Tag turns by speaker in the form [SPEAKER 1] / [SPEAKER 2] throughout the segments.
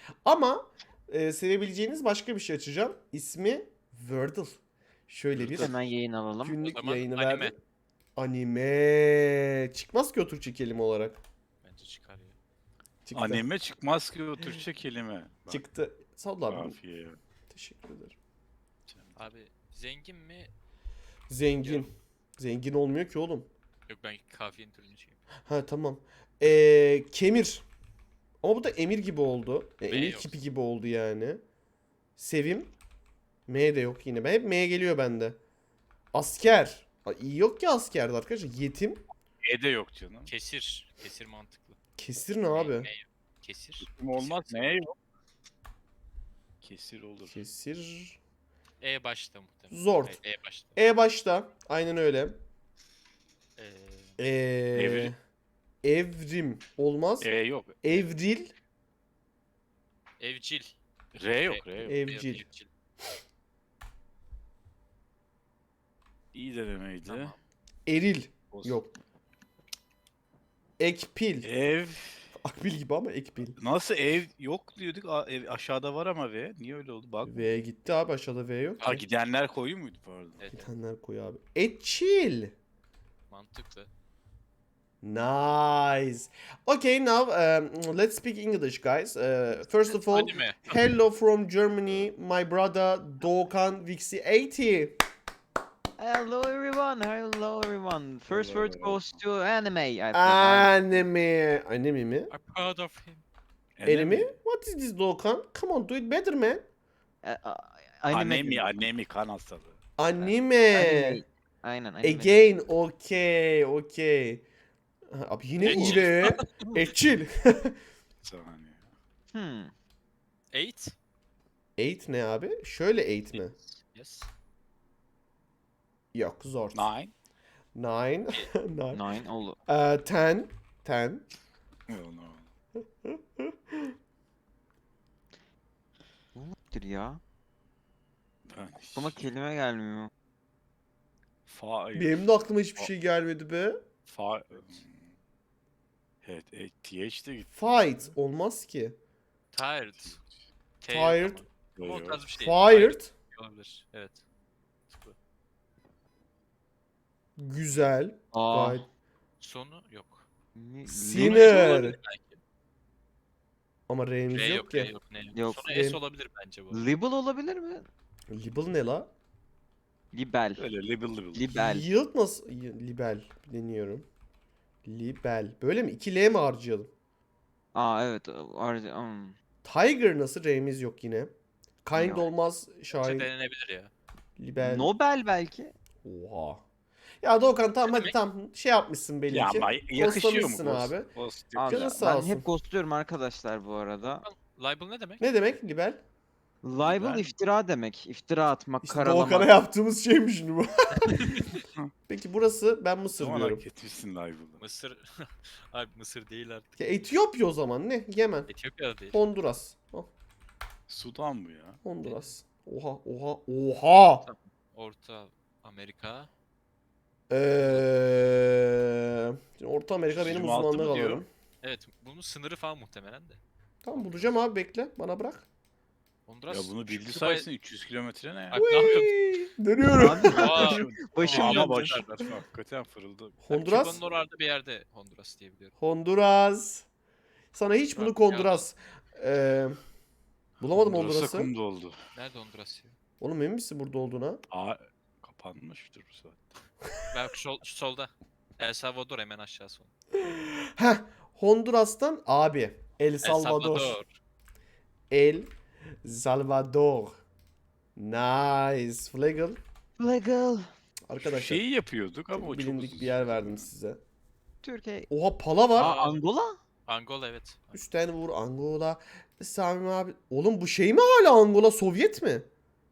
[SPEAKER 1] Ama sevebileceğiniz başka bir şey açacağım. İsmi Wordle. Şöyle bir
[SPEAKER 2] Hemen yayın alalım.
[SPEAKER 3] O
[SPEAKER 1] günlük
[SPEAKER 3] zaman
[SPEAKER 1] yayını
[SPEAKER 3] anime.
[SPEAKER 1] verdim. Anime. Çıkmaz ki o Türkçe kelime olarak.
[SPEAKER 3] Bence çıkar ya.
[SPEAKER 1] Çıktı.
[SPEAKER 4] Anime çıkmaz ki o Türkçe kelime. Bak,
[SPEAKER 1] Çıktı. Sağ ol abi.
[SPEAKER 4] kafiye.
[SPEAKER 1] Teşekkür ederim.
[SPEAKER 3] Abi zengin mi?
[SPEAKER 1] Zengin. Zengin olmuyor ki oğlum.
[SPEAKER 3] Yok ben kafiyenin türünü şey.
[SPEAKER 1] Ha tamam. Kemir. Ama bu da emir gibi oldu. Emir
[SPEAKER 3] yok.
[SPEAKER 1] kipi gibi oldu yani. Sevim. M de yok yine. Ben hep M geliyor bende. Asker. İyi yok ki askerde arkadaşlar. Yetim.
[SPEAKER 4] E de yok canım.
[SPEAKER 3] Kesir. Kesir mantıklı.
[SPEAKER 1] Kesir ne abi?
[SPEAKER 3] Ne? Kesir.
[SPEAKER 4] Kim olmaz ne yok. Kesir olur.
[SPEAKER 1] Kesir.
[SPEAKER 3] E başta muhtemelen.
[SPEAKER 1] Zord.
[SPEAKER 3] Evet, E başta.
[SPEAKER 1] E başta. Aynen öyle.
[SPEAKER 3] Ee,
[SPEAKER 1] Evrim. Evrim. Olmaz.
[SPEAKER 4] E yok.
[SPEAKER 1] Evril.
[SPEAKER 3] evcil.
[SPEAKER 4] R yok. R yok.
[SPEAKER 1] Evcil.
[SPEAKER 3] Evcil.
[SPEAKER 4] İyi denemeydi.
[SPEAKER 3] Tamam.
[SPEAKER 1] Eril.
[SPEAKER 4] Olsun.
[SPEAKER 1] Yok. Ekpil.
[SPEAKER 4] Ev.
[SPEAKER 1] Akbil gibi ama ekpil.
[SPEAKER 4] Nasıl ev yok diyorduk. Ev aşağıda var ama V. Niye öyle oldu? Bak.
[SPEAKER 1] V gitti abi, aşağıda V yok.
[SPEAKER 4] Ha
[SPEAKER 1] ki.
[SPEAKER 4] gidenler koyu muydu pardon?
[SPEAKER 3] Evet, evet,
[SPEAKER 1] Gidenler koy abi. Etçil.
[SPEAKER 3] mantıklı.
[SPEAKER 1] Nice. Okay, now let's speak English, guys. First of all,
[SPEAKER 3] Anime.
[SPEAKER 1] hello from Germany, my brother Doğukan Vixi 80.
[SPEAKER 2] Hello everyone. Hello everyone. First word goes to anime. I think.
[SPEAKER 1] Anime. Anime mi?
[SPEAKER 3] I'm proud of him.
[SPEAKER 1] Anime? What is this Doğukan? Come on, do it better, man.
[SPEAKER 2] Anime.
[SPEAKER 4] Anemi kan hastalığı.
[SPEAKER 1] Anime.
[SPEAKER 2] Anime. Aynen anime.
[SPEAKER 1] Again, okay, okay. Abi yine
[SPEAKER 3] Etçil.
[SPEAKER 1] ile. Etçil.
[SPEAKER 4] Saniye.
[SPEAKER 2] Hmm.
[SPEAKER 3] 8.
[SPEAKER 1] 8 ne abi? Şöyle 8 mi?
[SPEAKER 3] Yes.
[SPEAKER 1] Yok, zor.
[SPEAKER 4] 9.
[SPEAKER 1] 9. 9.
[SPEAKER 2] Nine oldu.
[SPEAKER 1] 10. 10.
[SPEAKER 4] No, no.
[SPEAKER 2] Bu nedir ya?
[SPEAKER 4] Ben
[SPEAKER 2] Aklıma kelime gelmiyor.
[SPEAKER 1] Benim de aklıma hiçbir şey gelmedi be.
[SPEAKER 4] Evet, TH de gitti.
[SPEAKER 1] Fight olmaz ki.
[SPEAKER 3] Tired. T
[SPEAKER 1] Tired.
[SPEAKER 3] Ama o tarz bir şey.
[SPEAKER 1] Fired.
[SPEAKER 3] Olabilir. Evet. Bu.
[SPEAKER 1] Güzel.
[SPEAKER 2] Aa.
[SPEAKER 1] Gayet.
[SPEAKER 3] Sonu yok.
[SPEAKER 1] Sinner.
[SPEAKER 3] Olabilir belki.
[SPEAKER 1] Ama R'miz
[SPEAKER 3] R
[SPEAKER 1] yok
[SPEAKER 3] yok, R
[SPEAKER 1] ki.
[SPEAKER 3] yok, ne yok.
[SPEAKER 2] Yok.
[SPEAKER 3] Sonu
[SPEAKER 1] R-
[SPEAKER 3] S olabilir bence bu.
[SPEAKER 2] Libel olabilir mi?
[SPEAKER 1] Libel ne la?
[SPEAKER 2] Libel.
[SPEAKER 4] Öyle libel.
[SPEAKER 2] Libel.
[SPEAKER 1] Yield nasıl? Libel. Deniyorum. Libel. Böyle mi? 2 L mi harcayalım?
[SPEAKER 2] Aa evet.
[SPEAKER 1] Tiger nasıl? R'miz yok yine. Kind
[SPEAKER 2] Yok.
[SPEAKER 1] olmaz.
[SPEAKER 3] Bence
[SPEAKER 1] Şahin.
[SPEAKER 3] denenebilir ya.
[SPEAKER 1] Libel.
[SPEAKER 2] Nobel belki.
[SPEAKER 1] Oha. Ya Doğukan tamam
[SPEAKER 3] Ne
[SPEAKER 1] hadi
[SPEAKER 3] demek?
[SPEAKER 1] tamam. Şey yapmışsın belli
[SPEAKER 4] Ya
[SPEAKER 1] ki.
[SPEAKER 4] ama yakışıyor mu
[SPEAKER 1] Ghostlamışsın
[SPEAKER 4] Ghost?
[SPEAKER 1] abi.
[SPEAKER 4] Ghost
[SPEAKER 2] Abi
[SPEAKER 1] Canın
[SPEAKER 4] yakışıyor.
[SPEAKER 1] sağ
[SPEAKER 2] ben
[SPEAKER 1] olsun.
[SPEAKER 2] hep ghostluyorum arkadaşlar bu arada.
[SPEAKER 3] Libel ne demek?
[SPEAKER 1] Ne demek libel?
[SPEAKER 2] Libel
[SPEAKER 4] Libel.
[SPEAKER 2] iftira demek. İftira atmak,
[SPEAKER 1] İşte
[SPEAKER 2] karalamak.
[SPEAKER 1] Doğukan'a yaptığımız şeymiş şimdi bu. Peki burası ben Mısır
[SPEAKER 4] Zaman
[SPEAKER 1] diyorum.
[SPEAKER 4] hak etmişsin live'ı.
[SPEAKER 3] Mısır. Abi Mısır değil artık.
[SPEAKER 1] Ya Etiyopya o zaman ne? Yemen.
[SPEAKER 3] Etiyopya'da değil.
[SPEAKER 1] Honduras. Oh,
[SPEAKER 4] Sudan bu ya.
[SPEAKER 1] Honduras. Oha oha oha.
[SPEAKER 3] Orta Amerika.
[SPEAKER 1] Şimdi Orta Amerika benim
[SPEAKER 4] 26
[SPEAKER 1] uzmanlık
[SPEAKER 4] mı diyor?
[SPEAKER 1] alanım.
[SPEAKER 3] Evet bunun sınırı falan muhtemelen de.
[SPEAKER 1] Tamam bulacağım abi, bekle bana bırak.
[SPEAKER 3] Honduras.
[SPEAKER 4] Ya bunu bildi
[SPEAKER 3] Küba-
[SPEAKER 4] sayesinde 300 kilometre ne ya?
[SPEAKER 3] Abi ne yapıyorsun?
[SPEAKER 1] Whee! Dönüyorum.
[SPEAKER 2] Abi
[SPEAKER 3] Aa,
[SPEAKER 2] başım
[SPEAKER 4] Ama
[SPEAKER 2] döndü.
[SPEAKER 4] baş hakikaten fırıldı.
[SPEAKER 1] Honduras.
[SPEAKER 3] Küba'nın orada bir yerde Honduras diye biliyorum.
[SPEAKER 1] Honduras. Sana hiç
[SPEAKER 3] Bak,
[SPEAKER 1] bunu Honduras. Bulamadım
[SPEAKER 4] Honduras'a
[SPEAKER 1] Honduras'ı.
[SPEAKER 4] kum doldu.
[SPEAKER 3] Nerede Honduras ya?
[SPEAKER 1] Oğlum emin misin burada olduğuna?
[SPEAKER 4] Aa kapanmıştır bu saat.
[SPEAKER 3] Bak şu solda. El Salvador hemen aşağısı.
[SPEAKER 1] Heh. Honduras'tan abi. El
[SPEAKER 3] El
[SPEAKER 1] Salvador.
[SPEAKER 3] Salvador.
[SPEAKER 1] El Salvador. Nice. Flagel.
[SPEAKER 2] Legal.
[SPEAKER 1] Arkadaşlar
[SPEAKER 4] Şeyi yapıyorduk ama
[SPEAKER 1] çok
[SPEAKER 4] o çok
[SPEAKER 1] bilindik
[SPEAKER 4] uzun
[SPEAKER 1] bir yer
[SPEAKER 4] sürdü.
[SPEAKER 1] verdim size.
[SPEAKER 2] Türkiye.
[SPEAKER 1] Oha pala var.
[SPEAKER 3] Aa,
[SPEAKER 2] Angola?
[SPEAKER 3] Angola evet.
[SPEAKER 1] Üstten vur Angola. Sami abi. Oğlum bu şey mi hala Angola Sovyet mi?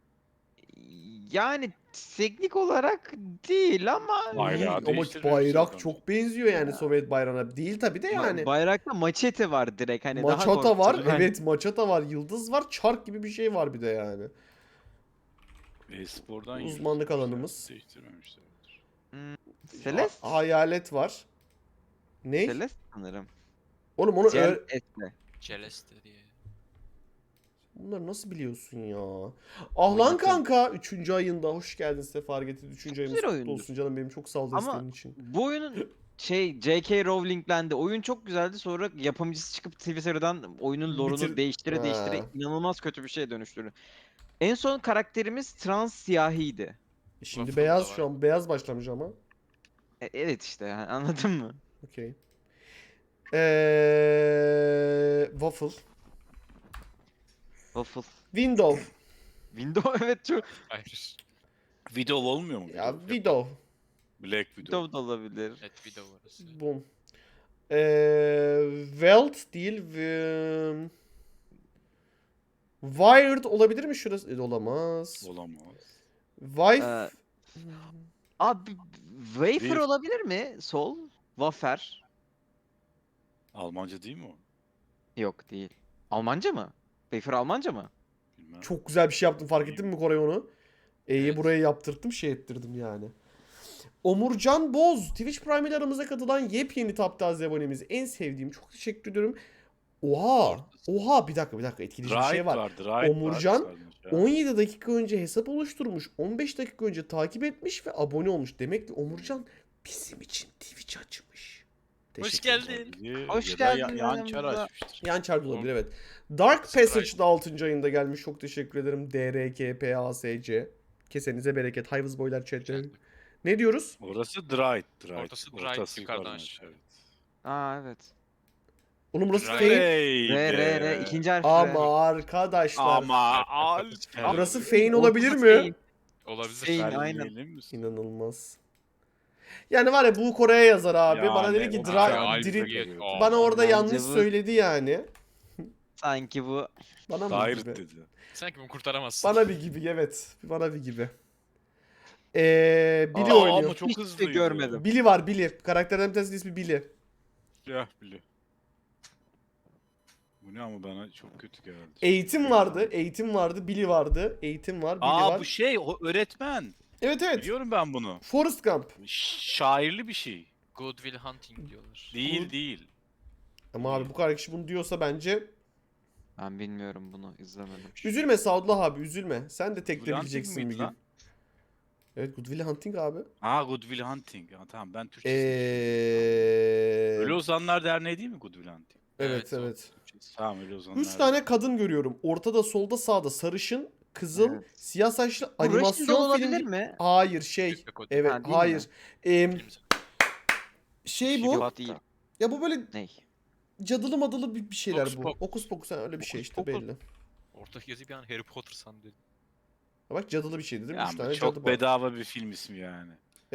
[SPEAKER 2] Yani teknik olarak değil ama
[SPEAKER 4] Bayrağı
[SPEAKER 1] Ama
[SPEAKER 4] değiştirmemiş
[SPEAKER 1] bayrak
[SPEAKER 4] zaten.
[SPEAKER 1] çok benziyor yani Sovyet bayrağına. Değil tabi de yani.
[SPEAKER 2] bayrakta maçete var direkt hani daha
[SPEAKER 1] Maçata var.
[SPEAKER 2] korkutucu. Hani
[SPEAKER 1] Evet maçata var. Yıldız var. Çark gibi bir şey var bir de yani.
[SPEAKER 4] E-spordan
[SPEAKER 1] Uzmanlık
[SPEAKER 4] yürütmüşler,
[SPEAKER 1] alanımız.
[SPEAKER 4] Değiştirmemişlerdir.
[SPEAKER 2] Celeste.
[SPEAKER 1] Hayalet var. Ne?
[SPEAKER 2] Celeste sanırım.
[SPEAKER 1] Oğlum onu
[SPEAKER 2] Celeste.
[SPEAKER 3] Celeste diye.
[SPEAKER 1] bunları nasıl biliyorsun ya? Ah lan
[SPEAKER 2] Oynadım.
[SPEAKER 1] kanka 3. ayında hoş geldin Sefer getirdi. 3. ayımız
[SPEAKER 2] güzel
[SPEAKER 1] kutlu
[SPEAKER 2] oyundur.
[SPEAKER 1] olsun canım benim, çok sağ ol
[SPEAKER 2] Ama
[SPEAKER 1] desteğin için.
[SPEAKER 2] bu oyunun J.K. Rowling'lendi. Oyun çok güzeldi. Sonra yapımcısı çıkıp Twitter'dan oyunun lore'unu
[SPEAKER 1] Bitir-
[SPEAKER 2] değiştire
[SPEAKER 1] Ha.
[SPEAKER 2] inanılmaz kötü bir şeye dönüştürdü. En son karakterimiz trans siyahiydi.
[SPEAKER 1] Şimdi
[SPEAKER 3] Waffle
[SPEAKER 1] beyaz
[SPEAKER 3] da
[SPEAKER 1] şu
[SPEAKER 3] var.
[SPEAKER 1] an beyaz başlamış ama.
[SPEAKER 2] Evet işte yani, anladın mı?
[SPEAKER 1] Okey. Waffle.
[SPEAKER 2] Waffle.
[SPEAKER 1] Window.
[SPEAKER 2] Windows evet çok.
[SPEAKER 3] Hayır.
[SPEAKER 4] Widow olmuyor mu?
[SPEAKER 1] Ya
[SPEAKER 4] Widow?
[SPEAKER 1] Widow.
[SPEAKER 4] Black Widow.
[SPEAKER 2] Windows da olabilir.
[SPEAKER 3] Evet video orası.
[SPEAKER 1] Boom. Welt değil. Wired olabilir mi şurası? Olamaz.
[SPEAKER 4] Olamaz.
[SPEAKER 1] Wife.
[SPEAKER 2] Ee, Abi Wafer
[SPEAKER 4] Bir-
[SPEAKER 2] olabilir mi? Sol. Wafer.
[SPEAKER 4] Almanca değil mi o?
[SPEAKER 2] Yok değil. Almanca mı? Wafer Almanca mı?
[SPEAKER 4] Bilmem.
[SPEAKER 1] Çok güzel bir şey yaptım, fark ettin mi Koray onu? E'yi
[SPEAKER 3] Evet.
[SPEAKER 1] buraya yaptırttım, şey ettirdim yani. Omurcan Boz. Twitch Prime ile aramıza katılan yepyeni Taptaze abonemiz. En sevdiğim. Çok teşekkür ediyorum. Oha. Oha bir dakika etkileyici bir şey
[SPEAKER 4] Right
[SPEAKER 1] var.
[SPEAKER 4] vardı. Right
[SPEAKER 1] Omurcan,
[SPEAKER 4] vardı sadece.
[SPEAKER 1] 17 dakika önce hesap oluşturmuş. 15 dakika önce takip etmiş ve abone olmuş. Demek ki Omurcan bizim için Twitch açmış.
[SPEAKER 3] Hoş
[SPEAKER 1] Teşekkür ederim.
[SPEAKER 3] geldin.
[SPEAKER 4] Olabilir.
[SPEAKER 2] Hoş
[SPEAKER 4] Ya da
[SPEAKER 2] geldin
[SPEAKER 4] Yan çar
[SPEAKER 2] aramıza.
[SPEAKER 4] açmıştır.
[SPEAKER 1] Yan çarpı olabilir, evet. Dark
[SPEAKER 3] Sprite.
[SPEAKER 1] Passage'da 6. ayında gelmiş. Çok teşekkür ederim. DRKPASC. Kesenize bereket. Hayvız boylar chat'te. Ne diyoruz?
[SPEAKER 4] Orası Dried.
[SPEAKER 3] Ortası Dried, yukarıdan aşağı.
[SPEAKER 4] Evet.
[SPEAKER 2] Aa evet.
[SPEAKER 1] Oğlum burası
[SPEAKER 3] Right.
[SPEAKER 1] Fein.
[SPEAKER 4] Hey
[SPEAKER 2] R
[SPEAKER 4] be.
[SPEAKER 2] ikinci harf R.
[SPEAKER 1] Ama arkadaşlar.
[SPEAKER 4] Ama
[SPEAKER 1] Burası Fein olabilir
[SPEAKER 2] Ortası
[SPEAKER 1] mi?
[SPEAKER 2] Fein.
[SPEAKER 3] Olabilir.
[SPEAKER 2] Fein, aynen.
[SPEAKER 4] Vermeyelim misin?
[SPEAKER 1] İnanılmaz. Yani var ya, bu Kore'ye yazar abi.
[SPEAKER 4] Yani
[SPEAKER 1] Bana dedi ki
[SPEAKER 4] o
[SPEAKER 1] Dra
[SPEAKER 4] bayağı
[SPEAKER 3] Alfa
[SPEAKER 1] Diri-
[SPEAKER 3] geliyor. Aa,
[SPEAKER 1] bana orada
[SPEAKER 2] Bence
[SPEAKER 1] yanlış
[SPEAKER 2] bu-
[SPEAKER 1] söyledi yani.
[SPEAKER 2] Sanki bu
[SPEAKER 1] Bana mı
[SPEAKER 4] Dair
[SPEAKER 1] gibi?
[SPEAKER 4] dedi.
[SPEAKER 3] Sanki bunu kurtaramazsın.
[SPEAKER 1] Bana bir gibi, evet. Bana bir gibi. Billy
[SPEAKER 4] Aa,
[SPEAKER 1] oynuyor.
[SPEAKER 4] ama çok
[SPEAKER 2] Hiç de
[SPEAKER 4] hızlıydı.
[SPEAKER 2] görmedim.
[SPEAKER 1] Billy var, Billy. Karakterden bir tanesinin ismi Billy.
[SPEAKER 4] Ya bile. Bu ne ama bana çok kötü geldi.
[SPEAKER 1] Eğitim vardı. Eğitim vardı. Billy vardı. Eğitim var. Billy
[SPEAKER 4] Aa
[SPEAKER 1] var.
[SPEAKER 4] bu şey o öğretmen.
[SPEAKER 1] Evet evet.
[SPEAKER 4] Biliyorum ben bunu.
[SPEAKER 1] Forrest Gump.
[SPEAKER 4] Şairli bir şey.
[SPEAKER 3] Good Will Hunting diyorlar.
[SPEAKER 4] Değil değil.
[SPEAKER 1] Ama abi bu kadar kişi bunu diyorsa bence
[SPEAKER 2] ben bilmiyorum bunu izlemedim.
[SPEAKER 1] üzülme Sadullah abi, üzülme. Sen de
[SPEAKER 4] Good Will
[SPEAKER 1] tekleyebileceksin
[SPEAKER 4] Hunting
[SPEAKER 1] bir
[SPEAKER 4] miydi
[SPEAKER 1] gün.
[SPEAKER 4] lan?
[SPEAKER 1] Evet, Good Will Hunting abi.
[SPEAKER 4] Aa Good Will Hunting. Ha, tamam ben Türkçesini Ölü
[SPEAKER 1] Ee...
[SPEAKER 4] Ozanlar Derneği değil mi Good Will Hunting?
[SPEAKER 1] Evet
[SPEAKER 3] Evet, o.
[SPEAKER 1] evet.
[SPEAKER 4] Tamam Ölü Ozanlar
[SPEAKER 1] 3 tane kadın görüyorum. Ortada, solda, sağda sarışın, kızıl,
[SPEAKER 2] Evet.
[SPEAKER 1] siyah saçlı
[SPEAKER 2] Bu Russian Doll
[SPEAKER 1] animasyon
[SPEAKER 2] olabilir
[SPEAKER 1] film.
[SPEAKER 2] mi?
[SPEAKER 1] Hayır şey.
[SPEAKER 3] Yok, yok, o
[SPEAKER 1] Evet
[SPEAKER 2] Ha, değil mi?
[SPEAKER 1] hayır. Em,
[SPEAKER 3] Film-
[SPEAKER 1] şey bu.
[SPEAKER 2] Yok değil.
[SPEAKER 1] Ya bu böyle
[SPEAKER 2] Ney?
[SPEAKER 1] cadılı madılı bir şeyler
[SPEAKER 3] Hokus
[SPEAKER 1] bu.
[SPEAKER 3] pokus.
[SPEAKER 1] Okus pokus, ha, öyle bir şey
[SPEAKER 3] Hokus
[SPEAKER 1] işte
[SPEAKER 3] pokus.
[SPEAKER 1] belli.
[SPEAKER 3] Ortadaki yazıyı bir an Harry Potter sandım.
[SPEAKER 1] Ha bak, cadılı bir şey dedim.
[SPEAKER 4] Ya
[SPEAKER 1] 3
[SPEAKER 4] ama
[SPEAKER 1] tane
[SPEAKER 4] çok
[SPEAKER 1] cadı var.
[SPEAKER 4] bedava bir film ismi yani.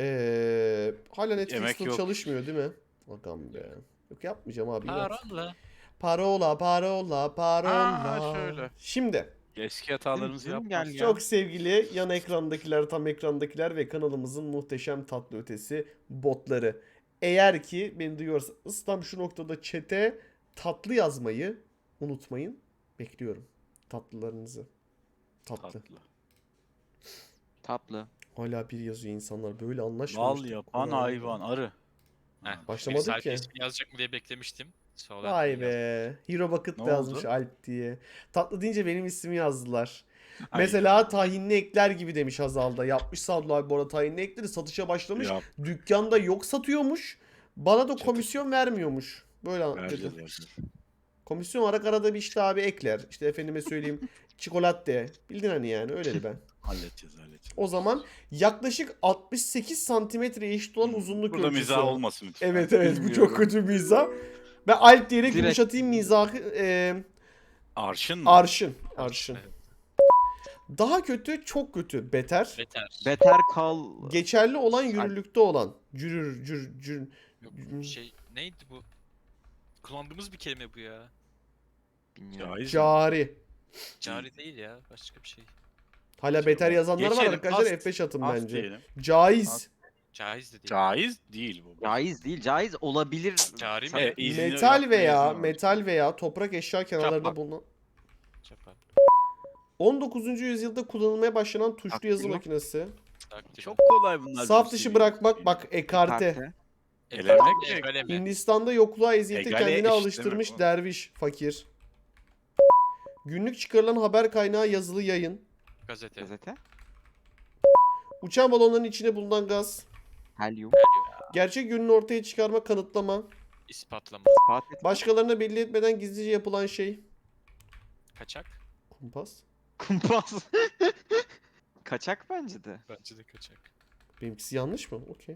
[SPEAKER 1] Hala
[SPEAKER 4] Emek
[SPEAKER 1] Netflix'te
[SPEAKER 4] yok.
[SPEAKER 1] çalışmıyor değil mi? Bakalım be. Yok yapmayacağım abi. inat.
[SPEAKER 3] Parola.
[SPEAKER 1] Parola, parola, parola.
[SPEAKER 4] Aa, şöyle.
[SPEAKER 1] Şimdi
[SPEAKER 4] Eski hatalarımızı
[SPEAKER 2] Zoom
[SPEAKER 4] yapmak.
[SPEAKER 2] gel ya.
[SPEAKER 1] çok sevgili yan ekrandakiler, tam ekrandakiler ve kanalımızın muhteşem tatlı ötesi botları. Eğer ki beni duyuyorsanız tam şu noktada chat'e tatlı yazmayı unutmayın. Bekliyorum tatlılarınızı. Tatlı.
[SPEAKER 4] Tatlı.
[SPEAKER 2] Tatlı.
[SPEAKER 1] Hala bir yazıyor insanlar. Böyle anlaşmamıştık.
[SPEAKER 4] Bal yapan
[SPEAKER 1] Kolay
[SPEAKER 4] hayvan arı.
[SPEAKER 3] Heh,
[SPEAKER 1] Başlamadık
[SPEAKER 3] birisi
[SPEAKER 1] ki.
[SPEAKER 3] Alp ismini yazacak mı diye beklemiştim. Sonra
[SPEAKER 1] Vay
[SPEAKER 3] yazdım.
[SPEAKER 1] be. Hero Bucket
[SPEAKER 4] Ne
[SPEAKER 1] da yazmış
[SPEAKER 4] oldu?
[SPEAKER 1] Alp diye. Tatlı deyince benim ismimi yazdılar.
[SPEAKER 4] Ay,
[SPEAKER 1] Mesela tahinli ekler gibi demiş Hazal'da. Yapmış Sadullah abi bu arada tahinli ekleri, satışa başlamış.
[SPEAKER 4] Yap,
[SPEAKER 1] Dükkanda yok satıyormuş. Bana da
[SPEAKER 4] Çatı.
[SPEAKER 1] komisyon vermiyormuş. Böyle dedi.
[SPEAKER 4] vereceğiz.
[SPEAKER 1] Komisyon olarak arada bir işte abi ekler. İşte efendime söyleyeyim çikolata. Bildin hani, yani öyleli ben.
[SPEAKER 4] Halledeceğiz.
[SPEAKER 1] O zaman yaklaşık 68 santimetreye eşit olan uzunluk
[SPEAKER 4] Burada
[SPEAKER 1] ölçüsü.
[SPEAKER 4] mizah olmasın lütfen.
[SPEAKER 1] Evet evet, bu
[SPEAKER 2] Bilmiyorum.
[SPEAKER 1] çok kötü bir mizah. Ben Alp diyerek
[SPEAKER 2] Direkt-
[SPEAKER 1] yumuşatayım mizahı.
[SPEAKER 4] Arşın mı?
[SPEAKER 1] Arşın. Arşın.
[SPEAKER 3] Evet.
[SPEAKER 1] Daha kötü, çok kötü. Beter.
[SPEAKER 3] Beter.
[SPEAKER 2] Better Call.
[SPEAKER 1] Geçerli olan, yürürlükte olan. Cürür.
[SPEAKER 3] Yok, şey neydi bu? Kullandığımız bir kelime bu ya.
[SPEAKER 2] Bilmiyorum.
[SPEAKER 4] Caiz mi?
[SPEAKER 1] Cari.
[SPEAKER 3] Cari değil ya. Başka bir şey.
[SPEAKER 1] Hala beter yazanlar var
[SPEAKER 4] Geçelim,
[SPEAKER 1] arkadaşlar.
[SPEAKER 4] ast-
[SPEAKER 1] F5 atın
[SPEAKER 4] Az
[SPEAKER 1] bence.
[SPEAKER 4] diyelim.
[SPEAKER 1] Caiz.
[SPEAKER 4] Ast-
[SPEAKER 3] Caiz de değil.
[SPEAKER 4] Caiz değil bu.
[SPEAKER 2] Caiz değil. Caiz olabilir.
[SPEAKER 3] Cari mi?
[SPEAKER 4] Evet, izni
[SPEAKER 1] Metal
[SPEAKER 4] yapmaya
[SPEAKER 1] veya
[SPEAKER 4] izin var.
[SPEAKER 1] metal veya toprak eşya kenarlarında
[SPEAKER 4] Çapak.
[SPEAKER 1] bulunan
[SPEAKER 3] Çapar.
[SPEAKER 1] 19. yüzyılda kullanılmaya başlanan tuşlu
[SPEAKER 2] Aktif
[SPEAKER 1] yazı
[SPEAKER 2] mi?
[SPEAKER 1] makinesi.
[SPEAKER 3] Takdir.
[SPEAKER 4] Çok kolay bunlar.
[SPEAKER 1] Saf
[SPEAKER 4] bizim
[SPEAKER 1] dışı
[SPEAKER 4] sevdiğimiz
[SPEAKER 1] bırakmak,
[SPEAKER 4] şeyler.
[SPEAKER 1] bak ekarte.
[SPEAKER 2] Karte.
[SPEAKER 4] Elemek mi?
[SPEAKER 3] Egale mi?
[SPEAKER 1] Hindistan'da yokluğa eziyete
[SPEAKER 4] Egale
[SPEAKER 1] kendini
[SPEAKER 4] eşit
[SPEAKER 1] alıştırmış
[SPEAKER 4] demek oğlum.
[SPEAKER 1] derviş fakir. Günlük çıkarılan haber kaynağı yazılı yayın.
[SPEAKER 3] Gazete.
[SPEAKER 2] Gazete.
[SPEAKER 1] Uçan balonların içine bulunan gaz.
[SPEAKER 2] Helyum.
[SPEAKER 1] Gerçek yönünü ortaya çıkarma, kanıtlama.
[SPEAKER 3] İspatlama.
[SPEAKER 2] İspat etme.
[SPEAKER 1] Başkalarına belli etmeden gizlice yapılan şey.
[SPEAKER 3] Kaçak.
[SPEAKER 1] Kumpas.
[SPEAKER 2] Kumpas. Kaçak bence de.
[SPEAKER 3] Bence de kaçak.
[SPEAKER 1] Benimkisi yanlış mı? Okey.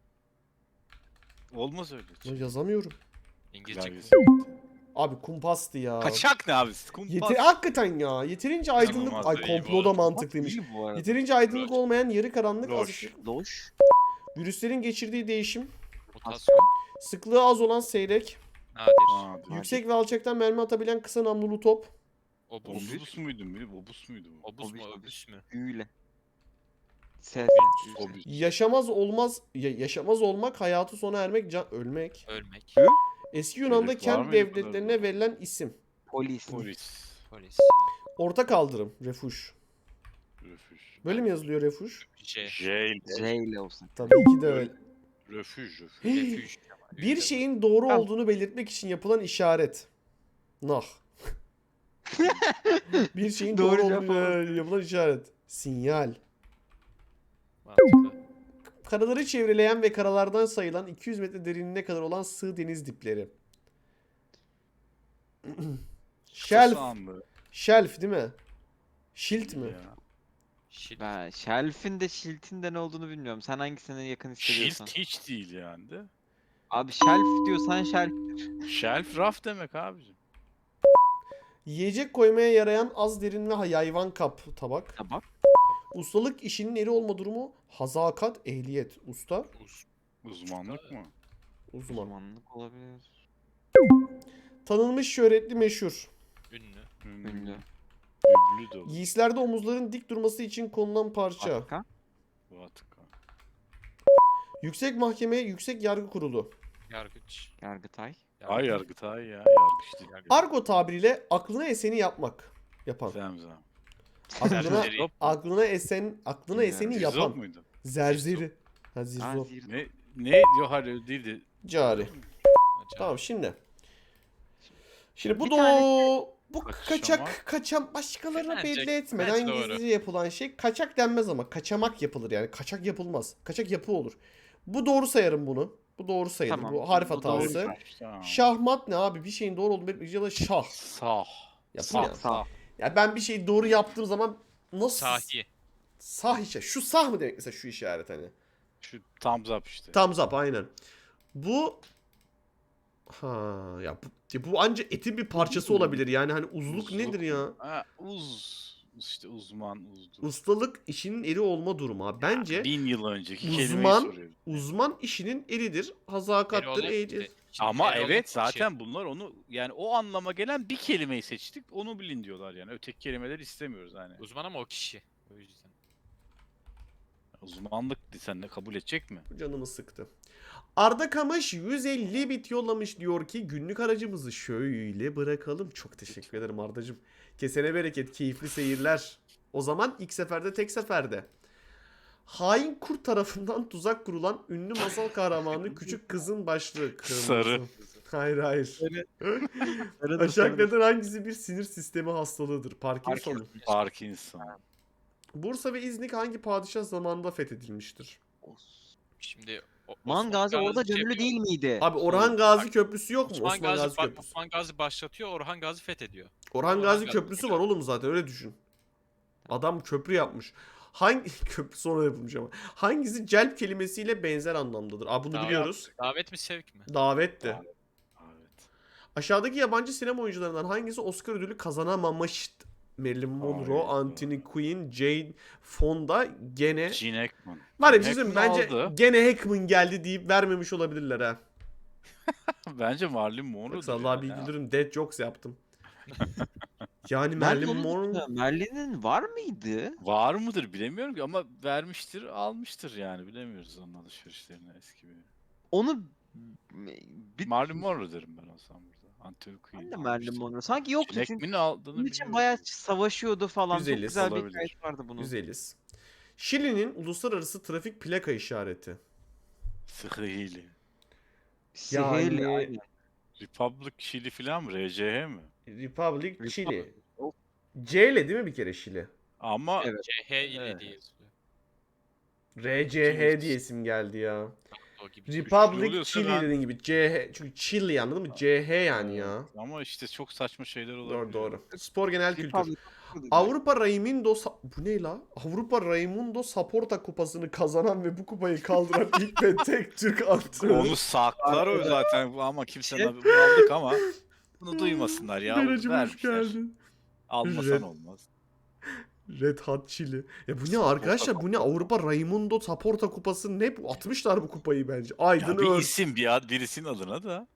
[SPEAKER 4] Olmaz öyle.
[SPEAKER 1] Ya yazamıyorum.
[SPEAKER 3] İngilizce.
[SPEAKER 4] Belgesel.
[SPEAKER 1] Abi kumpastı ya.
[SPEAKER 4] Kaçak ne abi? Kumpas.
[SPEAKER 1] Hakikaten ya. Yeterince aydınlık.
[SPEAKER 4] İnanılmaz
[SPEAKER 1] Ay
[SPEAKER 4] da iyi bu
[SPEAKER 1] komplo da
[SPEAKER 4] arada.
[SPEAKER 1] mantıklıymış.
[SPEAKER 2] İyi bu arada.
[SPEAKER 1] Yeterince aydınlık olmayan yarı karanlık az
[SPEAKER 4] Loş.
[SPEAKER 1] ışık.
[SPEAKER 2] Loş.
[SPEAKER 1] Virüslerin geçirdiği değişim.
[SPEAKER 3] Mutasyon.
[SPEAKER 1] Sıklığı az olan seyrek.
[SPEAKER 3] Nadir.
[SPEAKER 4] Aa,
[SPEAKER 1] Yüksek ve alçaktan mermi atabilen kısa namlulu top.
[SPEAKER 3] Obus.
[SPEAKER 4] Obus muydu? Obus muydu bu?
[SPEAKER 3] Obus mu?
[SPEAKER 2] Obüs.
[SPEAKER 3] Obüs mü?
[SPEAKER 2] Büyüle. Ses.
[SPEAKER 4] Obüs.
[SPEAKER 1] Yaşamaz olmaz. Yaşamaz olmak, hayatı sona ermek, ölmek.
[SPEAKER 3] Ölmek.
[SPEAKER 1] Eski Yunan'da
[SPEAKER 4] Herif var
[SPEAKER 1] kent
[SPEAKER 4] mıydı
[SPEAKER 1] devletlerine
[SPEAKER 4] bunlarda?
[SPEAKER 1] verilen isim.
[SPEAKER 2] Polis.
[SPEAKER 4] Polis.
[SPEAKER 3] Polis.
[SPEAKER 1] Orta kaldırım. Refuj.
[SPEAKER 4] Refüj.
[SPEAKER 1] Böyle mi yazılıyor refuj?
[SPEAKER 3] J.
[SPEAKER 4] Jail.
[SPEAKER 2] J ile olsun.
[SPEAKER 1] Tabii ki de öyle.
[SPEAKER 4] Refüj.
[SPEAKER 3] Refüj.
[SPEAKER 1] Bir şeyin doğru
[SPEAKER 2] Tamam.
[SPEAKER 1] olduğunu belirtmek için yapılan işaret. Nah. Bir şeyin doğru,
[SPEAKER 2] Doğru
[SPEAKER 1] olduğunu
[SPEAKER 2] cevap
[SPEAKER 1] yapılan işaret. Sinyal.
[SPEAKER 3] Mantıklı.
[SPEAKER 1] Karaları çevreleyen ve karalardan sayılan 200 metre derinliğine kadar olan sığ deniz dipleri. Shelf. Shelf değil mi? Shield mi?
[SPEAKER 3] Şil.
[SPEAKER 2] Ben Shelf'in de Shield'in de ne olduğunu bilmiyorum. Sen hangisine yakın hissediyorsan.
[SPEAKER 4] Shield hiç değil yani de.
[SPEAKER 2] Abi Shelf diyorsan Shelf.
[SPEAKER 4] Shelf raf demek abicim.
[SPEAKER 1] Yiyecek koymaya yarayan az derin ve yayvan kap tabak.
[SPEAKER 2] Tabak.
[SPEAKER 1] Ustalık işinin eri olma durumu. Hazakat, ehliyet. Usta,
[SPEAKER 3] Uz.
[SPEAKER 4] Uzmanlık mı?
[SPEAKER 1] uzman.
[SPEAKER 2] Uzmanlık olabilir.
[SPEAKER 1] Tanınmış, şöhretli, meşhur.
[SPEAKER 3] Ünlü.
[SPEAKER 2] Ünlü.
[SPEAKER 4] Üblü de olur.
[SPEAKER 1] Giysilerde omuzların dik durması için konulan parça.
[SPEAKER 2] Arka.
[SPEAKER 4] Vatka.
[SPEAKER 1] Yüksek Mahkeme, Yüksek Yargı Kurulu.
[SPEAKER 3] Yargıç.
[SPEAKER 2] Yargıtay.
[SPEAKER 4] Ay Yargıtay ya. Yargıç değil.
[SPEAKER 1] Argo tabiriyle aklına eseni yapmak. Yapan.
[SPEAKER 4] Zemzem.
[SPEAKER 1] Aklına,
[SPEAKER 3] Zerzeri.
[SPEAKER 1] aklına eseni
[SPEAKER 4] Zirzop
[SPEAKER 1] yapan.
[SPEAKER 4] muydu?
[SPEAKER 1] Zerzeri. Ha
[SPEAKER 2] Aa,
[SPEAKER 1] zirzop.
[SPEAKER 4] Ne? Yok hayır öyle değildi.
[SPEAKER 1] Cari.
[SPEAKER 3] Acayip.
[SPEAKER 1] Tamam şimdi. Şimdi bu
[SPEAKER 2] Bir
[SPEAKER 1] da
[SPEAKER 2] tane-
[SPEAKER 1] bu
[SPEAKER 4] Kaçamak.
[SPEAKER 1] kaçam başkalarına
[SPEAKER 3] Bence-
[SPEAKER 1] belli etmeden
[SPEAKER 3] bence doğru.
[SPEAKER 1] gizlice yapılan şey kaçak denmez ama kaçamak yapılır yani. Kaçak yapılmaz. Kaçak yapı olur. Bu doğru sayarım bunu. Bu doğru sayılır.
[SPEAKER 2] Tamam,
[SPEAKER 1] Bu harf
[SPEAKER 2] bu
[SPEAKER 1] hatası.
[SPEAKER 2] doğru.
[SPEAKER 4] Tamam.
[SPEAKER 1] Şahmat ne abi? Bir şeyin doğru olduğunu belirtmek için ya da şah.
[SPEAKER 4] Sah.
[SPEAKER 1] Yapın ya.
[SPEAKER 2] Sağ.
[SPEAKER 1] Ya ben bir şeyi doğru yaptığım zaman nasıl?
[SPEAKER 3] Sahi.
[SPEAKER 1] Sah işaret. Şu sah mı demek mesela şu işaret hani?
[SPEAKER 4] Şu thumbs up işte.
[SPEAKER 1] Thumbs up aynen. Bu ha ya bu anca etin bir parçası olabilir yani hani uzluk nedir ya?
[SPEAKER 4] Ha, işte uzman uzdu.
[SPEAKER 1] Ustalık işinin eri olma durumu abi. Bence
[SPEAKER 4] 1000 yıl önceki kelimeyi
[SPEAKER 1] uzman
[SPEAKER 4] soruyorum.
[SPEAKER 1] uzman işinin eridir. Hazakattır,
[SPEAKER 3] Erol-
[SPEAKER 1] eğitir.
[SPEAKER 4] Ama
[SPEAKER 3] Erol
[SPEAKER 4] evet
[SPEAKER 3] kişi.
[SPEAKER 4] zaten bunlar onu yani o anlama gelen bir kelimeyi seçtik. Onu bilin diyorlar yani. Öteki kelimeleri istemiyoruz hani.
[SPEAKER 3] Uzman ama o kişi. O yüzden.
[SPEAKER 4] Uzmanlık sen de kabul edecek mi?
[SPEAKER 1] Canımı sıktı. Arda Kamış 150 bit yollamış diyor ki günlük aracımızı şöyle bırakalım. Çok teşekkür ederim Ardacığım. Kesene bereket, keyifli seyirler. O zaman ilk seferde tek seferde. Hain kurt tarafından tuzak kurulan ünlü masal kahramanı küçük kızın başlığı. Kırmızı.
[SPEAKER 4] Sarı.
[SPEAKER 1] Hayır hayır. Aşağıdakilerden hangisi bir sinir sistemi hastalığıdır? Parkinson.
[SPEAKER 4] Parkinson.
[SPEAKER 1] Bursa ve İznik hangi padişah zamanında fethedilmiştir?
[SPEAKER 3] Şimdi
[SPEAKER 2] Man Gazi orada
[SPEAKER 3] şey
[SPEAKER 2] gönüllü
[SPEAKER 3] yapıyor.
[SPEAKER 2] değil miydi?
[SPEAKER 1] Abi Orhan Gazi Köprüsü yok mu?
[SPEAKER 3] Osman Gazi,
[SPEAKER 1] Köprüsü.
[SPEAKER 3] Osman Gazi başlatıyor, Orhan Gazi fethediyor.
[SPEAKER 1] Orhan
[SPEAKER 3] Orhan
[SPEAKER 1] Gazi
[SPEAKER 3] Gazi
[SPEAKER 1] Köprüsü var
[SPEAKER 3] hocam.
[SPEAKER 1] oğlum zaten öyle düşün. Adam köprü yapmış. Hangi köprü sonra yapılmış ama. Hangisi celp kelimesiyle benzer anlamdadır? Aa bunu
[SPEAKER 3] Davet.
[SPEAKER 1] biliyoruz.
[SPEAKER 3] Davet mi sevk mi?
[SPEAKER 1] Davetti.
[SPEAKER 4] Evet.
[SPEAKER 1] Aşağıdaki yabancı sinema oyuncularından hangisi Oscar ödülü kazanamamıştı? Marilyn Monroe,
[SPEAKER 4] Hayda.
[SPEAKER 1] Anthony Quinn, Jane Fonda gene...
[SPEAKER 4] Gene Hackman.
[SPEAKER 1] Var ya bir
[SPEAKER 4] Gene
[SPEAKER 1] şey söyleyeyim mi?
[SPEAKER 4] Hackman
[SPEAKER 1] Bence
[SPEAKER 4] aldı.
[SPEAKER 1] gene Hackman geldi deyip vermemiş olabilirler ha.
[SPEAKER 4] Bence Marilyn Monroe'dur.
[SPEAKER 1] Yoksa Allah
[SPEAKER 4] yani.
[SPEAKER 1] bir güldürün dead jokes yaptım. Yani
[SPEAKER 2] Ben
[SPEAKER 1] Marilyn
[SPEAKER 2] de onu
[SPEAKER 1] Monroe...
[SPEAKER 2] düşünüyorum. Merlin'in var mıydı?
[SPEAKER 4] Var mıdır bilemiyorum ki ama vermiştir almıştır yani bilemiyoruz onun alışverişlerini eski bir.
[SPEAKER 2] Onu bir
[SPEAKER 4] Marilyn Monroe derim ben olsam burada. Anthony Quinn.
[SPEAKER 2] ben de Marilyn Monroe. Sanki yok
[SPEAKER 4] Gene
[SPEAKER 2] çünkü
[SPEAKER 4] Hackman'in aldığını
[SPEAKER 2] bunun için
[SPEAKER 4] biliyorum.
[SPEAKER 2] bayağı savaşıyordu falan. Çok
[SPEAKER 1] Güzeliz.
[SPEAKER 2] güzel bir
[SPEAKER 4] Olabilir.
[SPEAKER 2] hikayesi vardı bunun.
[SPEAKER 1] Güzeliz. Şili'nin uluslararası trafik plaka işareti.
[SPEAKER 4] Sıhhili.
[SPEAKER 2] Sihirli.
[SPEAKER 1] Yani-
[SPEAKER 2] aynen.
[SPEAKER 4] Republic Chili falan mı? RCH mi?
[SPEAKER 1] Republic Chile.
[SPEAKER 2] Of.
[SPEAKER 1] C ile değil mi bir kere Şili?
[SPEAKER 4] Ama
[SPEAKER 2] Evet.
[SPEAKER 3] CH ile
[SPEAKER 4] Evet.
[SPEAKER 3] diye yazılıyor.
[SPEAKER 1] RCH diye isim geldi ya.
[SPEAKER 3] O gibi.
[SPEAKER 1] Republic
[SPEAKER 4] oluyorsa
[SPEAKER 1] Chile
[SPEAKER 4] ben-
[SPEAKER 1] dediğin gibi CH. Çünkü Chile anladın mı? CH yani ya.
[SPEAKER 4] Ama işte çok saçma şeyler
[SPEAKER 1] Doğru
[SPEAKER 4] olabiliyor.
[SPEAKER 1] doğru. Spor genel kültür.
[SPEAKER 2] Republic
[SPEAKER 1] Avrupa Raimundo bu ne la? Avrupa Raimundo Saporta kupasını kazanan ve bu kupayı kaldıran ilk ve tek Türk antrenör.
[SPEAKER 4] Onu saklar o zaten ama kimsenin haberi aldık ama bunu duymasınlar ya.
[SPEAKER 1] Beracım hoş
[SPEAKER 4] Vermişler.
[SPEAKER 1] geldin.
[SPEAKER 4] Almasan
[SPEAKER 1] Red-
[SPEAKER 4] olmaz.
[SPEAKER 1] Red Hot Chili. Ya bu ne arkadaşlar? Bu ne? Avrupa Raimundo Saporta kupası ne? Bu atmışlar bu kupayı bence. Aydın
[SPEAKER 4] Ya bir
[SPEAKER 1] Ör.
[SPEAKER 4] isim birisinin adına da.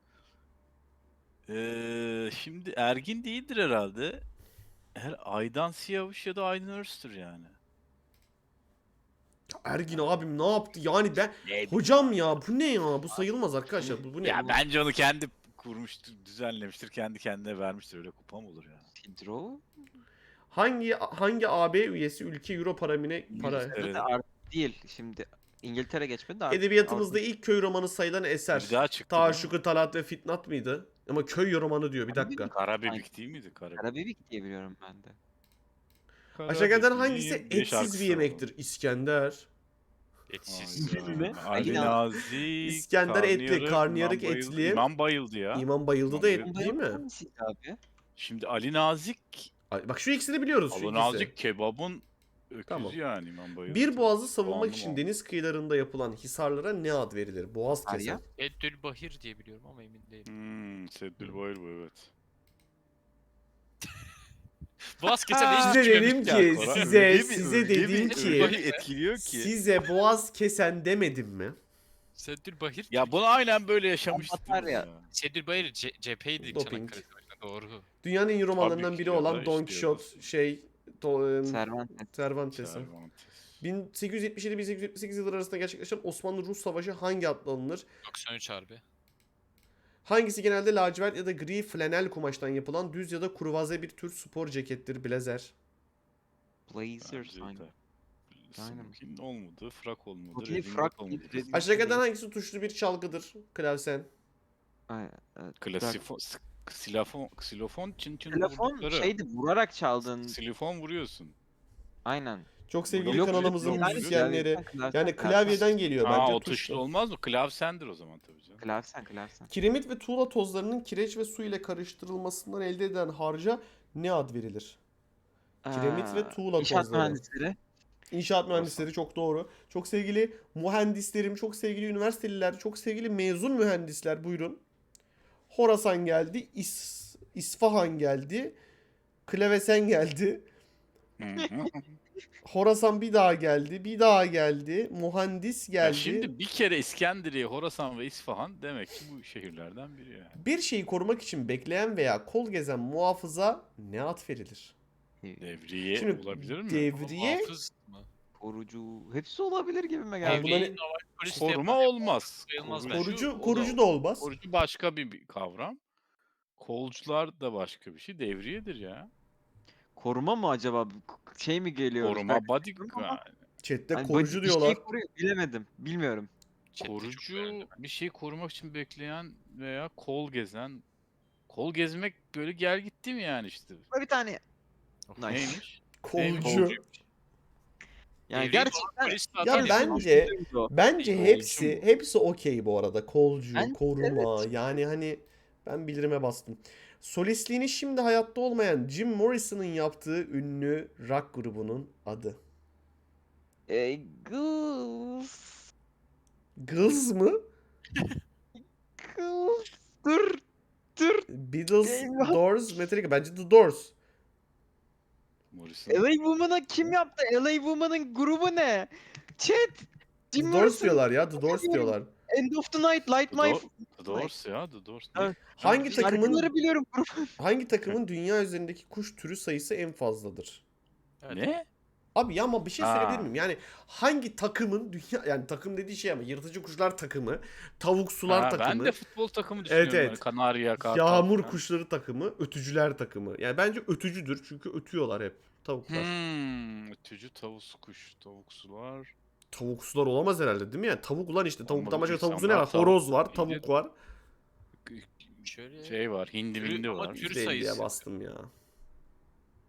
[SPEAKER 4] Şimdi Ergin değildir herhalde. Aydan Siyavuş ya da Aydın Öztür yani.
[SPEAKER 1] Ergin abim ne yaptı? Yani ben
[SPEAKER 4] Ne
[SPEAKER 1] hocam ya bu ne ya? Bu sayılmaz arkadaşlar. Bu ne?
[SPEAKER 4] Ya bence onu kendi kurmuştur, düzenlemiştir, kendi kendine vermiştir. Öyle kupa mı olur ya?
[SPEAKER 2] Tidro.
[SPEAKER 1] Hangi AB üyesi ülke euro paramine para?
[SPEAKER 4] İngiltere.
[SPEAKER 2] Artık değil. Şimdi İngiltere geçmedi de artık
[SPEAKER 1] Edebiyatımızda
[SPEAKER 2] Avrupa-
[SPEAKER 1] ilk köy romanı sayılan eser.
[SPEAKER 4] Bir daha çıktı. değil mi?
[SPEAKER 1] Taşuku Talat ve Fitnat mıydı? Ama köy romanı diyor bir dakika.
[SPEAKER 4] Karabibik değil miydi?
[SPEAKER 2] Karabibik diye biliyorum ben de.
[SPEAKER 1] Aşağıdakilerden hangisi
[SPEAKER 4] Karabibik'in bir
[SPEAKER 1] etsiz
[SPEAKER 4] şarkısı
[SPEAKER 1] bir yemektir? İskender.
[SPEAKER 3] Etsiz.
[SPEAKER 2] Ne?
[SPEAKER 4] Ali Nazik.
[SPEAKER 1] İskender etli, karnıyarık
[SPEAKER 4] İmam bayıldı.
[SPEAKER 1] etli.
[SPEAKER 4] İmam bayıldı ya.
[SPEAKER 1] İmam bayıldı da et değil mi?
[SPEAKER 2] Hangisiydi abi?
[SPEAKER 4] Şimdi Ali Nazik.
[SPEAKER 1] Bak şu ikisini biliyoruz şu
[SPEAKER 4] Ali
[SPEAKER 1] ikisi.
[SPEAKER 4] Nazik kebabın öküzü
[SPEAKER 1] Tamam.
[SPEAKER 4] yani İmam bayıldı.
[SPEAKER 1] Bir boğazı savunmak
[SPEAKER 4] Soğanlı
[SPEAKER 1] için
[SPEAKER 4] mı?
[SPEAKER 1] deniz kıyılarında yapılan hisarlara ne ad verilir? Boğaz
[SPEAKER 2] Arya?
[SPEAKER 1] kesen.
[SPEAKER 3] Eddül Bahir diye biliyorum ama emin değilim.
[SPEAKER 4] Seddül Bayır bu evet.
[SPEAKER 3] Boğaz kesen hiç
[SPEAKER 1] Size dedim
[SPEAKER 3] çıkmamış.
[SPEAKER 1] ki,
[SPEAKER 4] Koray,
[SPEAKER 1] size
[SPEAKER 4] öyle
[SPEAKER 1] dedim
[SPEAKER 4] bir
[SPEAKER 1] ki,
[SPEAKER 4] etkiliyor ki.
[SPEAKER 1] size boğaz kesen demedim mi?
[SPEAKER 3] Seddül Bahir.
[SPEAKER 4] Ya bunu aynen böyle yaşamıştık.
[SPEAKER 2] Anlatar ya.
[SPEAKER 3] Seddül Bahir cepheydi
[SPEAKER 1] Doping.
[SPEAKER 3] Çanakkale Savaşı'nda, doğru.
[SPEAKER 1] Dünyanın en iyi romanlarından
[SPEAKER 4] Tabii ki
[SPEAKER 1] biri
[SPEAKER 4] ya
[SPEAKER 1] olan
[SPEAKER 4] da
[SPEAKER 1] Don
[SPEAKER 4] işte
[SPEAKER 1] Quixote
[SPEAKER 2] Cervantes.
[SPEAKER 1] Cervantes'in.
[SPEAKER 4] Cervantes.
[SPEAKER 1] 1877-1878 yılları arasında gerçekleşen Osmanlı-Rus Savaşı hangi adla anılır?
[SPEAKER 3] 93 harbi.
[SPEAKER 1] Hangisi genelde lacivert ya da gri flanel kumaştan yapılan düz ya da kurvaze bir tür spor cekettir? Blazer.
[SPEAKER 2] Blazer
[SPEAKER 4] Bence
[SPEAKER 2] sanki.
[SPEAKER 4] de.
[SPEAKER 2] Aynen.
[SPEAKER 4] Smokin olmadı, frak olmadı,
[SPEAKER 2] Smokin
[SPEAKER 4] redingot
[SPEAKER 2] frak
[SPEAKER 4] olmadı.
[SPEAKER 2] değil, redingot.
[SPEAKER 1] Aşağıdakilerden hangisi tuşlu bir çalgıdır? Klavsen.
[SPEAKER 2] Ay, evet.
[SPEAKER 4] Klasifon, ksilofon çın çın
[SPEAKER 2] Telefon
[SPEAKER 4] vurdukları.
[SPEAKER 2] şeydi, vurarak çaldın.
[SPEAKER 4] Ksilofon vuruyorsun.
[SPEAKER 2] Aynen.
[SPEAKER 1] Çok sevgili
[SPEAKER 4] Yok,
[SPEAKER 1] kanalımızın
[SPEAKER 4] yok,
[SPEAKER 1] müzisyenleri.
[SPEAKER 2] Klavsen,
[SPEAKER 1] Yani klavyeden geliyor
[SPEAKER 4] Aa
[SPEAKER 1] bence
[SPEAKER 4] o tuşlu olmaz mı? Klavsendir o zaman tabii canım.
[SPEAKER 2] Klavsen.
[SPEAKER 1] Kiremit ve tuğla tozlarının kireç ve su ile karıştırılmasından elde edilen harca ne ad verilir? Kiremit ve tuğla
[SPEAKER 2] İnşaat
[SPEAKER 1] tozları.
[SPEAKER 2] mühendisleri.
[SPEAKER 1] İnşaat mühendisleri çok doğru. Çok sevgili mühendislerim, çok sevgili üniversiteliler, çok sevgili mezun mühendisler buyurun. Horasan geldi, İsfahan geldi, Klavesen geldi.
[SPEAKER 4] Hı hı.
[SPEAKER 1] Horasan bir daha geldi, bir daha geldi, mühendis
[SPEAKER 4] Ya
[SPEAKER 1] geldi.
[SPEAKER 4] şimdi bir kere İskenderiye, Horasan ve İsfahan demek ki bu şehirlerden biri yani.
[SPEAKER 1] Bir şeyi korumak için bekleyen veya kol gezen muhafıza ne ad verilir?
[SPEAKER 4] Devriye
[SPEAKER 1] Şimdi
[SPEAKER 4] olabilir mi?
[SPEAKER 1] devriye
[SPEAKER 3] Hafız mı?
[SPEAKER 2] Korucu. Hepsi olabilir gibime
[SPEAKER 1] Abi
[SPEAKER 2] geldi.
[SPEAKER 1] bunların-
[SPEAKER 3] Devriyeyi normal polis de
[SPEAKER 4] Koruma
[SPEAKER 3] yapar.
[SPEAKER 4] olmaz.
[SPEAKER 3] Sayılmaz
[SPEAKER 4] Korucu-
[SPEAKER 3] bence.
[SPEAKER 1] Korucu da olmaz.
[SPEAKER 4] Korucu başka bir kavram. Kolcular da başka bir şey. Devriyedir ya.
[SPEAKER 2] Koruma mı acaba? Şey mi geliyor?
[SPEAKER 4] Koruma body
[SPEAKER 2] Ama-
[SPEAKER 1] Chat'te
[SPEAKER 2] Hani
[SPEAKER 1] korucu
[SPEAKER 2] bir
[SPEAKER 1] diyorlar.
[SPEAKER 2] şey koruyor. Bilemedim. Bilmiyorum.
[SPEAKER 3] Chat'te çok
[SPEAKER 4] korucu
[SPEAKER 3] beğendim.
[SPEAKER 4] bir şey korumak için bekleyen veya kol gezen. Kol gezmek böyle gel gitti mi yani işte?
[SPEAKER 2] Bir tane. Nice.
[SPEAKER 4] Neymiş?
[SPEAKER 1] Kolcu.
[SPEAKER 2] Yani
[SPEAKER 3] Devriye
[SPEAKER 2] gerçekten
[SPEAKER 3] polis de
[SPEAKER 1] Ya
[SPEAKER 3] atar
[SPEAKER 1] bence
[SPEAKER 2] o.
[SPEAKER 1] bence
[SPEAKER 3] Kolcu
[SPEAKER 1] hepsi okey bu arada. Kolcu,
[SPEAKER 2] Bence
[SPEAKER 1] koruma. Yani hani ben bildirime bastım. Solistliğini şimdi hayatta olmayan Jim Morrison'ın yaptığı ünlü rock grubunun adı.
[SPEAKER 2] Goose.
[SPEAKER 1] Gılz mı?
[SPEAKER 2] Goose. Dur.
[SPEAKER 1] Beatles,
[SPEAKER 2] Eyvah.
[SPEAKER 1] Doors, Metallica. Bence The Doors.
[SPEAKER 4] Morrison.
[SPEAKER 2] LA Woman'a kim yaptı? LA Woman'ın grubu ne? Chat.
[SPEAKER 1] The
[SPEAKER 2] Jim
[SPEAKER 1] Doors
[SPEAKER 2] Morrison.
[SPEAKER 1] diyorlar ya. The Doors diyorlar.
[SPEAKER 2] End of the Night, Light
[SPEAKER 4] The,
[SPEAKER 2] My...
[SPEAKER 4] The Doors ya. The Doors.
[SPEAKER 2] Evet.
[SPEAKER 1] Hangi takımın
[SPEAKER 2] Şarkıları biliyorum grubu.
[SPEAKER 1] hangi takımın dünya üzerindeki kuş türü sayısı en fazladır?
[SPEAKER 3] Evet.
[SPEAKER 4] Ne?
[SPEAKER 1] Abi ya ama bir şey
[SPEAKER 4] Ha.
[SPEAKER 1] söyleyebilir miyim? Yani hangi takımın dünya yani takım dediği şey ama yırtıcı kuşlar takımı, tavuk sular
[SPEAKER 4] Ha,
[SPEAKER 1] takımı,
[SPEAKER 4] ben de futbol takımı düşünüyorum.
[SPEAKER 1] evet.
[SPEAKER 4] Yani Kanarya, Kartal.
[SPEAKER 1] yağmur
[SPEAKER 4] falan.
[SPEAKER 1] kuşları takımı, ötücüler takımı. Yani bence ötücüdür çünkü ötüyorlar hep tavuklar.
[SPEAKER 4] Ötücü tavus kuş. Tavuksular.
[SPEAKER 1] Tavuk sular olamaz herhalde değil mi? Yani tavuk ulan işte tavuktan
[SPEAKER 4] Olmadı
[SPEAKER 1] başka tavuk su ne
[SPEAKER 4] insanlar
[SPEAKER 1] var? Horoz var,
[SPEAKER 4] tavuk
[SPEAKER 1] tavuk var.
[SPEAKER 3] Şöyle
[SPEAKER 4] Şey var. Hindi
[SPEAKER 3] Türü-
[SPEAKER 4] mindi
[SPEAKER 3] ama
[SPEAKER 4] var.
[SPEAKER 3] türü
[SPEAKER 1] %50'ye
[SPEAKER 3] sayısı.
[SPEAKER 1] bastım ya.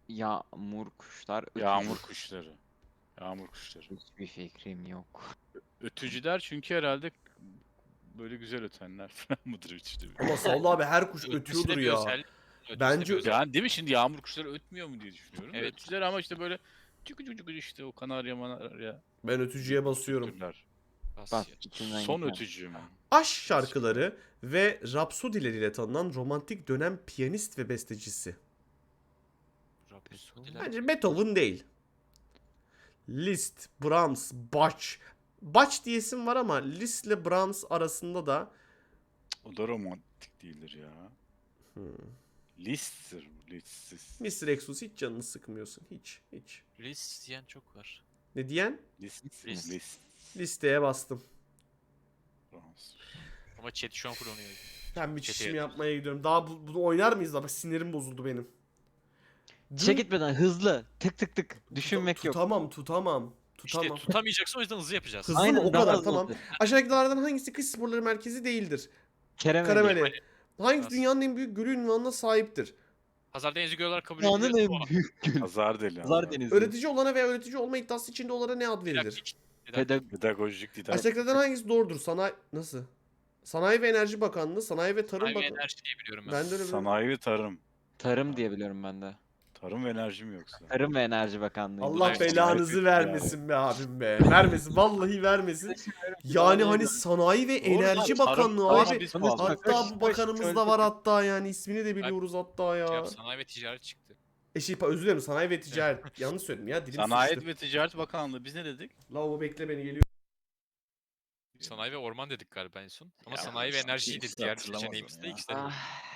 [SPEAKER 2] Yağmur kuşlar. Ötücü.
[SPEAKER 4] Yağmur kuşları. Yağmur kuşları.
[SPEAKER 2] Hiçbir fikrim yok.
[SPEAKER 4] Ötücüler çünkü herhalde böyle güzel ötenler falan mıdır ötücü?
[SPEAKER 1] Ama Sallı abi her kuş
[SPEAKER 3] Ötmesine
[SPEAKER 1] ötüyordur
[SPEAKER 3] bir
[SPEAKER 1] ya.
[SPEAKER 3] özellik- ötmesine
[SPEAKER 1] Bence-
[SPEAKER 3] bir özellik.
[SPEAKER 4] Yani değil mi şimdi yağmur kuşları ötmüyor mu diye düşünüyorum.
[SPEAKER 3] Evet.
[SPEAKER 4] Ötücüler ama işte böyle çuku çuku işte o kanarya manarya.
[SPEAKER 1] Ben ötücüye basıyorum.
[SPEAKER 4] türler.
[SPEAKER 3] Bas
[SPEAKER 2] Bas
[SPEAKER 3] ya.
[SPEAKER 2] içinden
[SPEAKER 4] Son
[SPEAKER 2] gitmem.
[SPEAKER 4] ötücü mü?
[SPEAKER 1] Aşk şarkıları ve rapsodileriyle tanınan romantik dönem piyanist ve bestecisi.
[SPEAKER 3] Rhapsody'ler.
[SPEAKER 1] Bence Beethoven değil. Liszt, Brahms, Bach. Bach diyesim var ama Liszt ile Brahms arasında da
[SPEAKER 4] O da romantik değildir ya.
[SPEAKER 1] hmm.
[SPEAKER 4] List'tir bu, listsiz.
[SPEAKER 1] Mr. Exos hiç canını sıkmıyorsun. Hiç.
[SPEAKER 3] List diyen çok var.
[SPEAKER 1] Ne diyen?
[SPEAKER 4] List.
[SPEAKER 3] List.
[SPEAKER 4] List.
[SPEAKER 1] Listeye bastım.
[SPEAKER 4] Fransız.
[SPEAKER 3] Ama chat şu an kullanıyor.
[SPEAKER 1] Ben bir
[SPEAKER 3] Çeteye
[SPEAKER 1] çişimi
[SPEAKER 3] yapıyoruz.
[SPEAKER 1] yapmaya gidiyorum. Daha bunu oynar mıyız da? Bak sinirim bozuldu benim.
[SPEAKER 2] Çek gitmeden hızlı. Tık tık tık. Düşünmek yok.
[SPEAKER 1] Tutamam.
[SPEAKER 3] İşte tutamayacaksın o yüzden hızlı yapacağız.
[SPEAKER 1] Hızlı mı?
[SPEAKER 2] Aynen,
[SPEAKER 1] O
[SPEAKER 2] daha
[SPEAKER 1] kadar
[SPEAKER 2] hızlı
[SPEAKER 1] tamam.
[SPEAKER 2] oldu.
[SPEAKER 1] Aşağıdakilerden hangisi kış sporları merkezi değildir?
[SPEAKER 2] Kerem
[SPEAKER 1] Karameli. Hangisi
[SPEAKER 3] Nasıl?
[SPEAKER 1] dünyanın en büyük gölü ünvanına sahiptir?
[SPEAKER 3] Hazar Denizi göl olarak kabul
[SPEAKER 2] Dünyanın
[SPEAKER 3] ediliyor.
[SPEAKER 2] en büyük gölü.
[SPEAKER 4] Pazar deli.
[SPEAKER 2] Pazar Denizi.
[SPEAKER 1] Öğretici olana veya öğretici olma iddiası içinde olana ne ad verilir?
[SPEAKER 3] Didaktik.
[SPEAKER 4] Pedagojik didaktik.
[SPEAKER 1] Aşağıdakilerden hangisi doğrudur? Nasıl? Sanayi ve Enerji Bakanlığı, Sanayi ve Tarım
[SPEAKER 3] Sanayi ve
[SPEAKER 1] Bakanlığı.
[SPEAKER 3] enerji diye biliyorum ben.
[SPEAKER 1] Ben de öyle bir...
[SPEAKER 4] Sanayi ve tarım.
[SPEAKER 2] Tarım diye biliyorum ben de.
[SPEAKER 4] Tarım ve enerji mi yoksa?
[SPEAKER 2] Tarım ve Enerji Bakanlığı.
[SPEAKER 1] Allah
[SPEAKER 3] Evet,
[SPEAKER 1] belanızı
[SPEAKER 4] sanayi
[SPEAKER 1] vermesin be abim be. Vermesin. Vallahi vermesin. Yani hani Sanayi ve
[SPEAKER 4] Doğru lan,
[SPEAKER 1] Enerji
[SPEAKER 4] tarım-
[SPEAKER 1] Bakanlığı
[SPEAKER 4] tarım
[SPEAKER 1] abi.
[SPEAKER 4] biz
[SPEAKER 2] Hatta
[SPEAKER 4] bağlı.
[SPEAKER 1] Hatta bu bakanımız da var hatta yani ismini de biliyoruz hatta
[SPEAKER 3] Şey
[SPEAKER 1] ya.
[SPEAKER 3] yap, sanayi ve ticaret çıktı.
[SPEAKER 1] Özür dilerim Sanayi ve Ticaret. Yanlış söyledim ya dilim
[SPEAKER 4] Sanayi
[SPEAKER 1] sıçtı.
[SPEAKER 4] ve Ticaret Bakanlığı biz ne dedik?
[SPEAKER 1] Lavabo bekle beni geliyor.
[SPEAKER 3] Sanayi ve orman dedik galiba en son. Ama
[SPEAKER 4] Ya,
[SPEAKER 3] sanayi ve
[SPEAKER 4] işte
[SPEAKER 3] enerjiyi de
[SPEAKER 4] ikisi de
[SPEAKER 3] diğer
[SPEAKER 4] hatırlamadım
[SPEAKER 3] seçeneğimizde
[SPEAKER 4] ya.
[SPEAKER 3] ikisi de.
[SPEAKER 2] Ah,